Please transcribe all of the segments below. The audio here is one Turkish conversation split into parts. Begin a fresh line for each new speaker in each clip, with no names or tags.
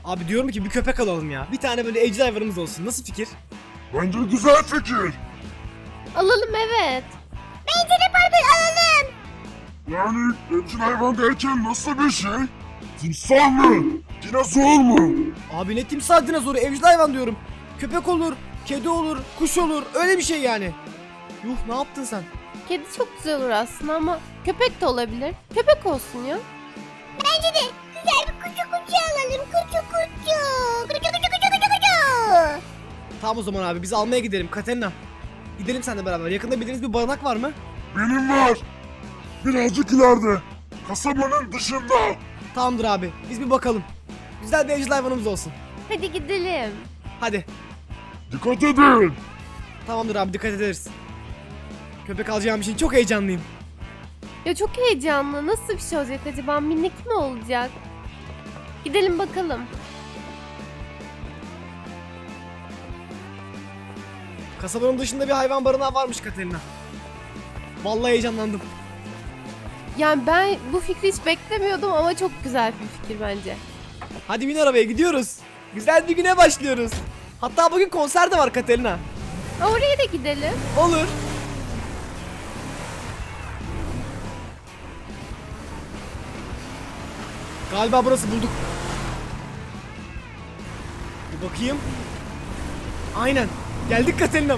Abi diyorum ki bir köpek alalım ya. Bir tane böyle evcil hayvanımız olsun. Nasıl fikir?
Bence güzel fikir.
Alalım, evet.
Bence de Barbie alalım.
Yani evcil hayvan derken nasıl bir şey? Timsah mı? Dinozor mu?
Abi ne timsah dinozoru, evcil hayvan diyorum. Köpek olur, kedi olur, kuş olur. Öyle bir şey yani. Yuh, ne yaptın sen?
Kedi çok güzel olur aslında ama köpek de olabilir. Köpek olsun ya.
Bence de güzel bir kucu kucu alalım. Kucu kucu. Kucu kucu kucu kucu kucu.
Tamam o zaman abi biz almaya gidelim Katerina. Gidelim seninle beraber. Yakında bildiğiniz bir barınak var mı?
Benim var. Birazcık ileride. Kasabanın dışında.
Tamamdır abi. Biz bir bakalım. Güzel bir evcil hayvanımız olsun.
Hadi gidelim.
Hadi.
Dikkat edin.
Tamamdır abi, dikkat ederiz. Köpek alacağım için çok heyecanlıyım.
Ya çok heyecanlı. Nasıl bir şey olacak acaba? Minik mi olacak? Gidelim bakalım.
Kasabanın dışında bir hayvan barınağı varmış Katerina. Vallahi heyecanlandım.
Yani ben bu fikri hiç beklemiyordum ama çok güzel bir fikir bence.
Hadi bin arabaya, gidiyoruz. Güzel bir güne başlıyoruz. Hatta bugün konser de var Katerina.
Oraya da gidelim.
Olur. Galiba burası, bulduk. Bir bakayım. Aynen. Geldik Katerina'm.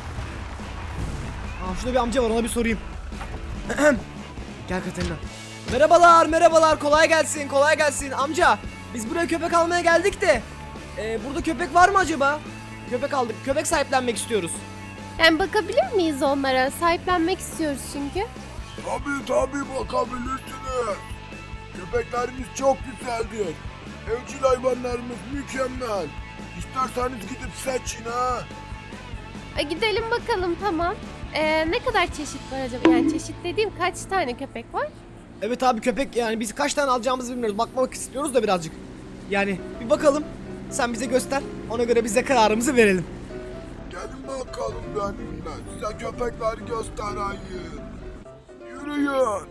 Şurada bir amca var, ona bir sorayım. Gel Katerina. Merhabalar, merhabalar. Kolay gelsin, kolay gelsin. Amca, biz buraya köpek almaya geldik de. Burada köpek var mı acaba? Köpek aldık. Köpek sahiplenmek istiyoruz.
Yani bakabilir miyiz onlara? Sahiplenmek istiyoruz çünkü.
Tabii bakabilirsiniz. Köpeklerimiz çok güzeldir. Evcil hayvanlarımız mükemmel. İsterseniz gidip seçin ha.
Gidelim bakalım, tamam. Ne kadar çeşit var acaba? Yani çeşit dediğim kaç tane köpek var?
Evet abi, köpek yani biz kaç tane alacağımızı bilmiyoruz. Bakmak istiyoruz da birazcık. Yani bir bakalım. Sen bize göster. Ona göre biz de kararımızı verelim.
Gelin bakalım benimle. Size köpekleri göstereyim. Yürüyün.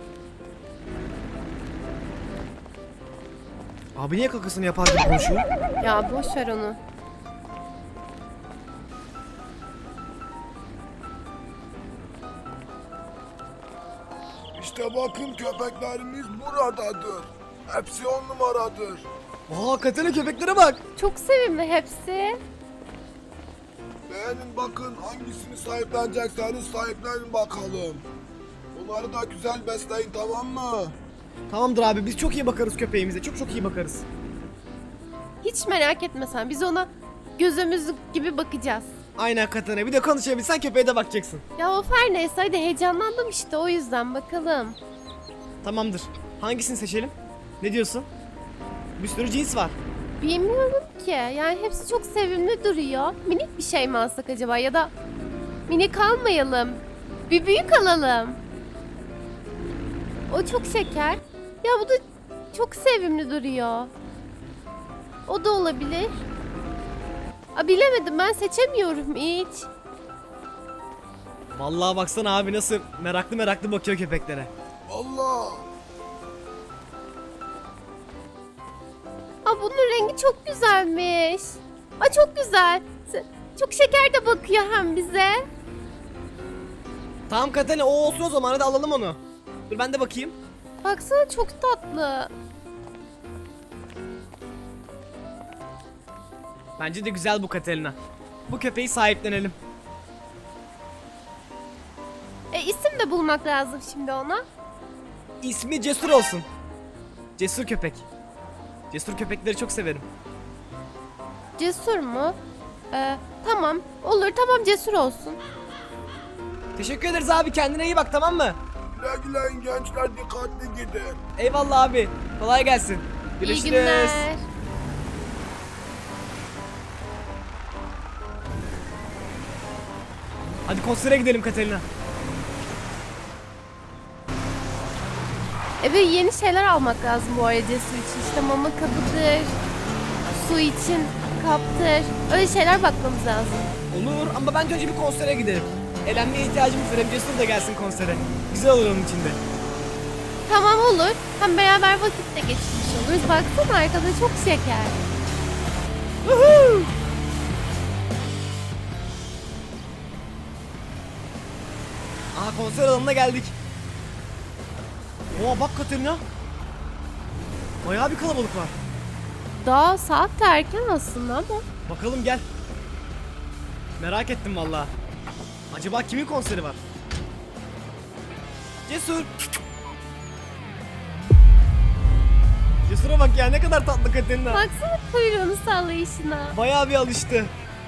Abi niye kakasını yapar gibi konuşuyor?
Ya boş ver onu.
İşte bakın köpeklerimiz buradadır. Hepsi 10 numaradır.
Katerina, köpeklere bak.
Çok sevimli hepsi.
Beğenin bakın hangisini sahiplenecekseniz sahiplenin bakalım. Onları da güzel besleyin, tamam mı?
Tamamdır abi, biz çok iyi bakarız köpeğimize. Çok çok iyi bakarız.
Hiç merak etme sen. Biz ona gözümüz gibi bakacağız.
Aynen Katerina. Bir de konuşabilsen köpeğe de bakacaksın.
Ya of, her neyse, hadi heyecanlandım işte, o yüzden bakalım.
Tamamdır. Hangisini seçelim? Ne diyorsun? Bir sürü cins var.
Bilmiyorum ki. Yani hepsi çok sevimli duruyor. Minik bir şey mi alsak acaba, ya da minik almayalım. Bir büyük alalım. O çok şeker. Ya bu da çok sevimli duruyor. O da olabilir. Bilemedim, ben seçemiyorum hiç.
Vallahi baksana abi, nasıl meraklı meraklı bakıyor köpeklere.
Allah!
Bunun rengi çok güzelmiş. Çok güzel. Çok şeker de bakıyor hem bize.
Tamam Katerina, o olsun o zaman, hadi alalım onu. Dur ben de bakayım.
Baksana, çok tatlı.
Bence de güzel bu Katerina. Bu köpeği sahiplenelim.
İsim de bulmak lazım şimdi ona.
İsmi Cesur olsun. Cesur köpek. Cesur köpekleri çok severim.
Cesur mu? Tamam. Olur, tamam, Cesur olsun.
Teşekkür ederiz abi, kendine iyi bak, tamam mı?
Güle güle gençler, dikkatli gidin.
Eyvallah abi. Kolay gelsin. Görüşürüz.
İyi günler.
Hadi konsere gidelim Katerina.
Ve yeni şeyler almak lazım bu arada Cesur için. İşte mama kabıdır, su için kaptır. Öyle şeyler bakmamız lazım.
Olur ama bence önce bir konsere gidelim. Eğlenmeye ihtiyacımız var. Hem Cesur da gelsin konsere. Güzel olur onun içinde.
Tamam olur. Hem beraber vakit de geçirmiş oluruz. Baksana arkada çok şeker.
Woohoo! Aha konser alanına geldik. Oha bak Katerina. Bayağı bir kalabalık var.
Daha saat de erken aslında ama.
Bakalım gel. Merak ettim vallahi. Acaba kimin konseri var? Cesur. Cesur'a bak ya, ne kadar tatlı Katerina.
Baksana kuyruğunu sallayışına.
Bayağı bir alıştı.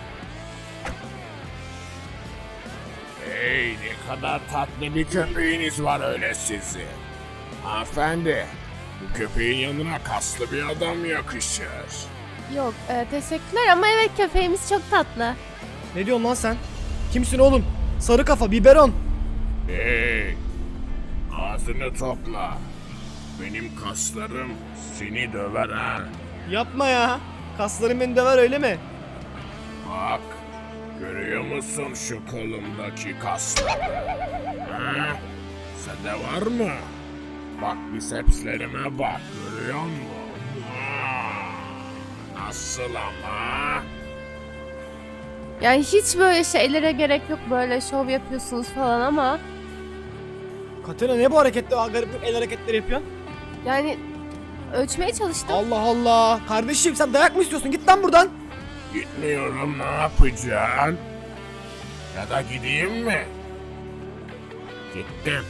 Hey, ne kadar tatlı bir köpeğiniz var öyle sizin. Hanımefendi, bu köpeğin yanına kaslı bir adam yakışır.
Yok teşekkürler ama evet köpeğimiz çok tatlı.
Ne diyorsun lan sen? Kimsin oğlum? Sarı kafa, biberon.
Hey, ağzını topla. Benim kaslarım seni döver ha.
Yapma ya. Kasların beni döver öyle mi?
Bak, görüyor musun şu kolumdaki kasları? Ha? Sende var mı? Bak bisepslerime bak, görüyor musun? Nasıl ama?
Yani hiç böyle şeylere gerek yok, böyle şov yapıyorsunuz falan ama.
Katerina ne bu hareketler? Garip el hareketleri yapıyorsun.
Yani ölçmeye çalıştım.
Allah Allah. Kardeşim sen dayak mı istiyorsun? Git lan buradan.
Gitmiyorum, ne yapacaksın? Ya da gideyim mi? Gittim.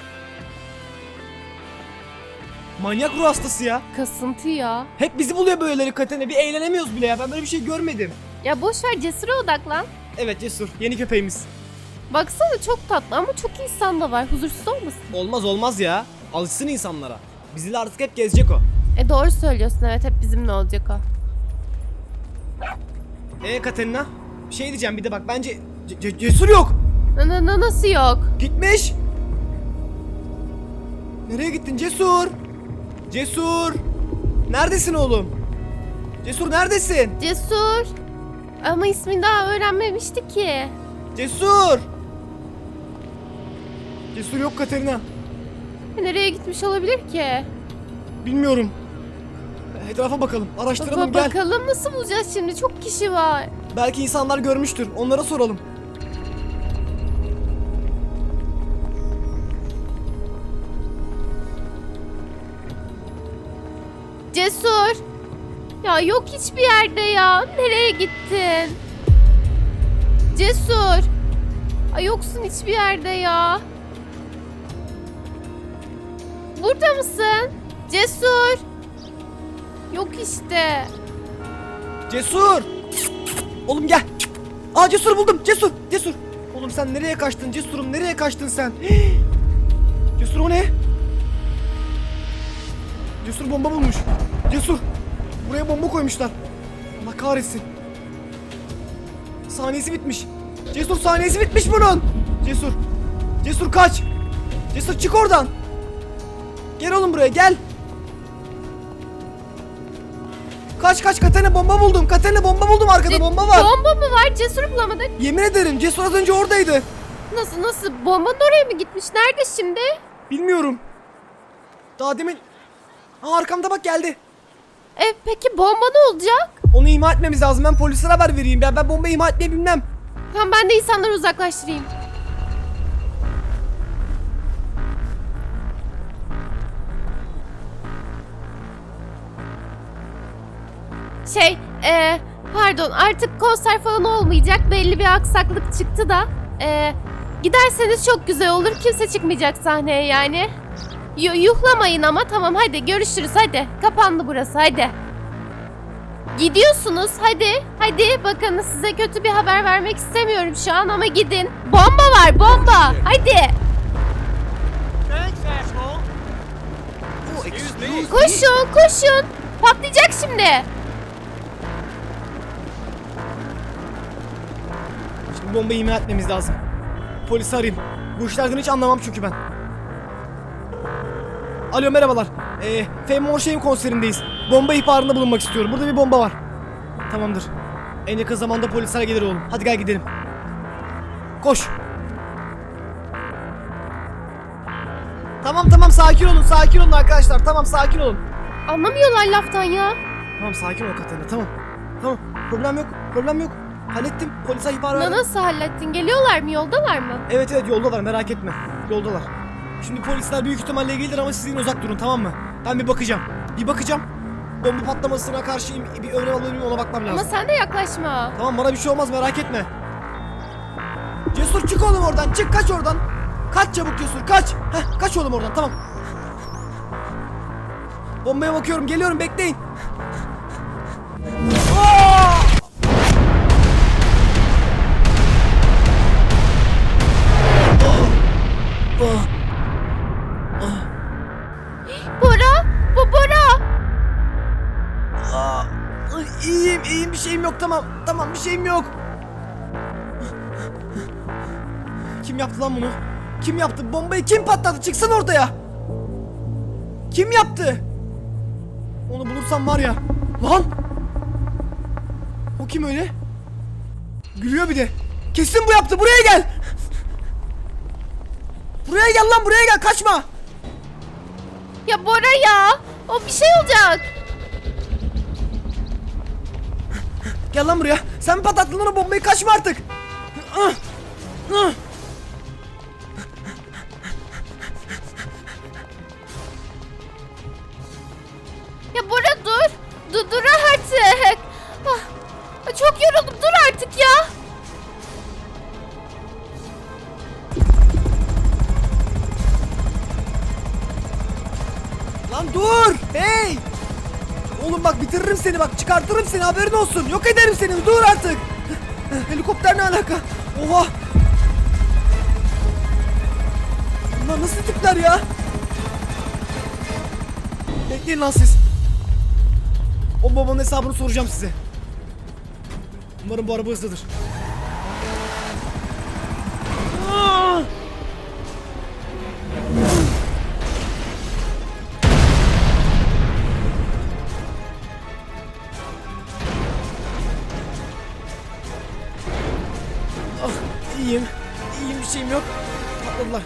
Manyak ruh hastası ya.
Kasıntı ya.
Hep bizi buluyor böyleleri Katerina. Bir eğlenemiyoruz bile ya. Ben böyle bir şey görmedim.
Ya boş ver, Cesur'a odaklan.
Evet Cesur. Yeni köpeğimiz.
Baksana çok tatlı ama çok insan da var. Huzursuz olmasın?
Olmaz olmaz ya. Alışsın insanlara. Bizimle artık hep gezecek o.
Doğru söylüyorsun, evet hep bizimle olacak o.
Katerina. Bir şey diyeceğim bir de bak. Bence Cesur yok.
Nasıl yok?
Gitmiş. Nereye gittin Cesur? Cesur. Neredesin oğlum? Cesur neredesin?
Cesur. Ama ismini daha öğrenmemişti ki.
Cesur. Cesur yok Katerina.
Nereye gitmiş olabilir ki?
Bilmiyorum. Etrafa bakalım. Araştıralım gel.
Bakalım nasıl bulacağız şimdi? Çok kişi var.
Belki insanlar görmüştür. Onlara soralım.
Cesur. Ya yok hiçbir yerde ya. Nereye gittin? Cesur. Ay yoksun hiçbir yerde ya. Burada mısın? Cesur. Yok işte.
Cesur. Oğlum gel. Aa Cesur buldum. Cesur. Cesur. Oğlum sen nereye kaçtın? Cesurum nereye kaçtın sen? Cesur o ne? Cesur bomba bulmuş. Cesur. Buraya bomba koymuşlar. Allah kahretsin. Saniyesi bitmiş. Cesur saniyesi bitmiş bunun. Cesur. Cesur kaç. Cesur çık oradan. Gel oğlum buraya gel. Kaç kaç Katerina bomba buldum. Katerina bomba buldum arkada bomba var.
Bomba mı var? Cesur bulamadık.
Yemin ederim Cesur az önce oradaydı.
Nasıl? Bombanın oraya mı gitmiş? Nerede şimdi?
Bilmiyorum. Daha demin... Aa, arkamda bak geldi.
Peki bomba ne olacak?
Onu imha etmemiz lazım. Ben polislere haber vereyim. Ben bombayı imha etmeyi bilmem.
Tamam ben de insanları uzaklaştırayım. Pardon artık konser falan olmayacak. Belli bir aksaklık çıktı da. Giderseniz çok güzel olur. Kimse çıkmayacak sahneye yani. Yuhlamayın ama tamam hadi görüşürüz hadi. Kapandı burası hadi. Gidiyorsunuz hadi. Hadi bakın size kötü bir haber vermek istemiyorum şu an ama gidin. Bomba var bomba. Hadi. Koşun. Patlayacak şimdi.
Şimdi bombayı imha etmemiz lazım. Polisi arayayım. Bu işlerden hiç anlamam çünkü ben. Alo merhabalar. Fame Shame konserindeyiz. Bomba ihbarında bulunmak istiyorum. Burada bir bomba var. Tamamdır. En yakın zamanda polisler gelir oğlum. Hadi gel gidelim. Koş. Tamam sakin olun arkadaşlar, tamam sakin olun.
Anlamıyorlar laftan ya.
Tamam sakin ol Katerina, tamam. Problem yok. Hallettim, polise ihbar verdim.
Nasıl hallettin? Geliyorlar mı? Yoldalar mı?
Evet yoldalar, merak etme. Yoldalar. Şimdi polisler büyük ihtimalle gelir ama siz yine uzak durun, tamam mı? Ben bir bakacağım. Bomba patlamasına karşı bir önlem alayım, ona bakmam lazım.
Ama sen de yaklaşma.
Tamam, bana bir şey olmaz, merak etme. Cesur çık oğlum oradan, çık, kaç oradan. Kaç çabuk Cesur, kaç. Kaç oğlum oradan, tamam. Bombaya bakıyorum, geliyorum, bekleyin. Aa!
Bora! Bu Bora!
İyiyim, bir şeyim yok, tamam bir şeyim yok. Kim yaptı lan bunu? Kim yaptı? Bombayı kim patlattı? Çıksana ortaya. Kim yaptı? Onu bulursam var ya. Lan! O kim öyle? Gülüyor bir de. Kesin bu yaptı. Buraya gel. Buraya gel lan, buraya gel, kaçma.
Ya Bora ya! O bir şey olacak.
Gel lan buraya. Sen mi patlattın lan o bombayı? Kaçma artık.
Ya Bora dur. Dur artık. Çok yoruldum. Dur artık ya.
Lan dur. Hey. Oğlum bak, bitiririm seni, bak çıkartırım seni, haberin olsun. Yok ederim seni, dur artık. Helikopter ne alaka? Oha. Bunlar nasıl tipler ya? Bekleyin lan siz. O babanın hesabını soracağım size. Umarım bu araba hızlıdır. Aa! İyiyim, bir şeyim yok. Patladılar.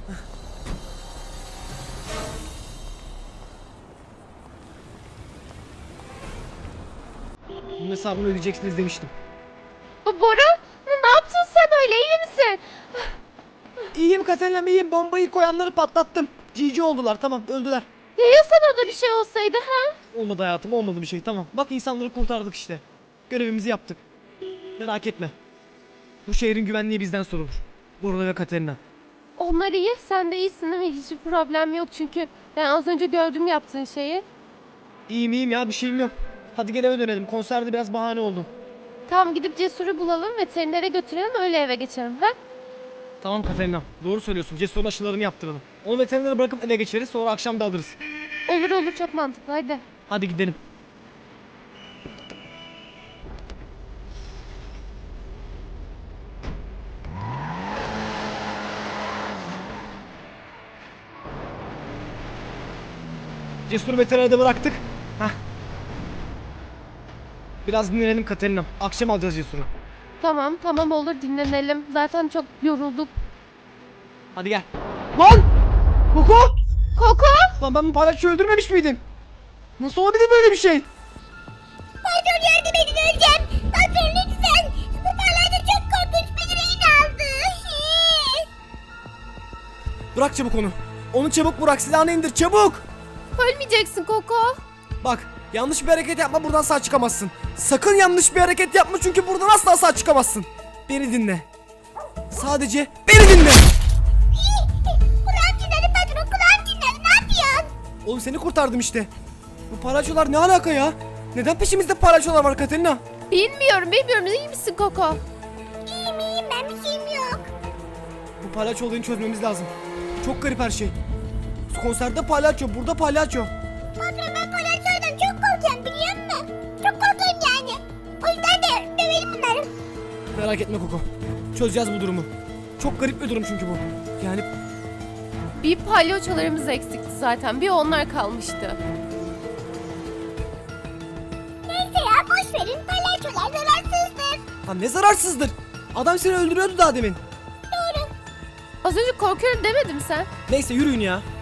Bunun hesabını ödeyeceksiniz demiştim.
Bora ne yaptın sen öyle? İyi misin?
İyiyim Katerina, iyiyim. Bombayı koyanları patlattım. GG oldular, tamam, öldüler.
Ya sana da bir şey olsaydı ha?
Olmadı hayatım, olmadı bir şey, tamam. Bak, insanları kurtardık işte. Görevimizi yaptık. Merak etme. Bu şehrin güvenliği bizden sorulur. Burada ve Katerina.
Onlar iyi. Sen de iyisin değil mi? Hiçbir problem yok çünkü ben az önce gördüm yaptığın şeyi.
İyiyim ya, bir şeyim yok. Hadi gel eve dönelim. Konserde biraz bahane oldu.
Tamam, gidip Cesur'u bulalım, veterinere götürelim, öyle eve geçelim ha?
Tamam Katerina, doğru söylüyorsun. Cesur'un aşılarını yaptıralım. Onu veterinere bırakıp eve geçeriz, sonra akşam da alırız.
Olur çok mantıklı, hadi.
Hadi gidelim. Cesur'u veterinerde bıraktık. Hah. Biraz dinlenelim Katerina. Akşam alacağız Cesur'u.
Tamam olur, dinlenelim. Zaten çok yorulduk.
Hadi gel. Lan! Koko!
Koko!
Lan ben bu palyaçoyu öldürmemiş miydim? Nasıl olabilir böyle bir şey?
Patron yardım edin, öleceğim. Patron lütfen. Bu parlarda çok korkunç, beni rehin aldı.
Bırak çabuk onu. Onu çabuk bırak, silahını indir çabuk.
Ölmeyeceksin Koko.
Bak, yanlış bir hareket yapma, buradan sağ çıkamazsın. Sakın yanlış bir hareket yapma, çünkü buradan asla sağ çıkamazsın. Beni dinle. Sadece beni dinle.
Kulağım dinledim patron, kulağım dinledim. Ne yapıyorsun?
Oğlum seni kurtardım işte. Bu palyaçolar ne alaka ya? Neden peşimizde palyaçolar var Katerina?
Bilmiyorum. İyi misin Koko?
İyiyim, ben bir şeyim yok.
Bu palyaço olayını çözmemiz lazım. Çok garip her şey. Konserde palyaço, burada palyaço.
Patron, ben palyaçolardan çok korkuyorum, biliyor musun? Çok korkuyorum yani. O yüzden de dövelim bunları.
Merak etme Koko. Çözeceğiz bu durumu. Çok garip bir durum çünkü bu. Yani
Bir palyaçolarımız eksikti zaten. Bir onlar kalmıştı.
Neyse ya, boş verin. Palyaçolar zararsızdır.
ha, ne zararsızdır. Adam seni öldürüyordu daha demin.
Az önce korkuyorum demedin sen.
Neyse, yürüyün ya.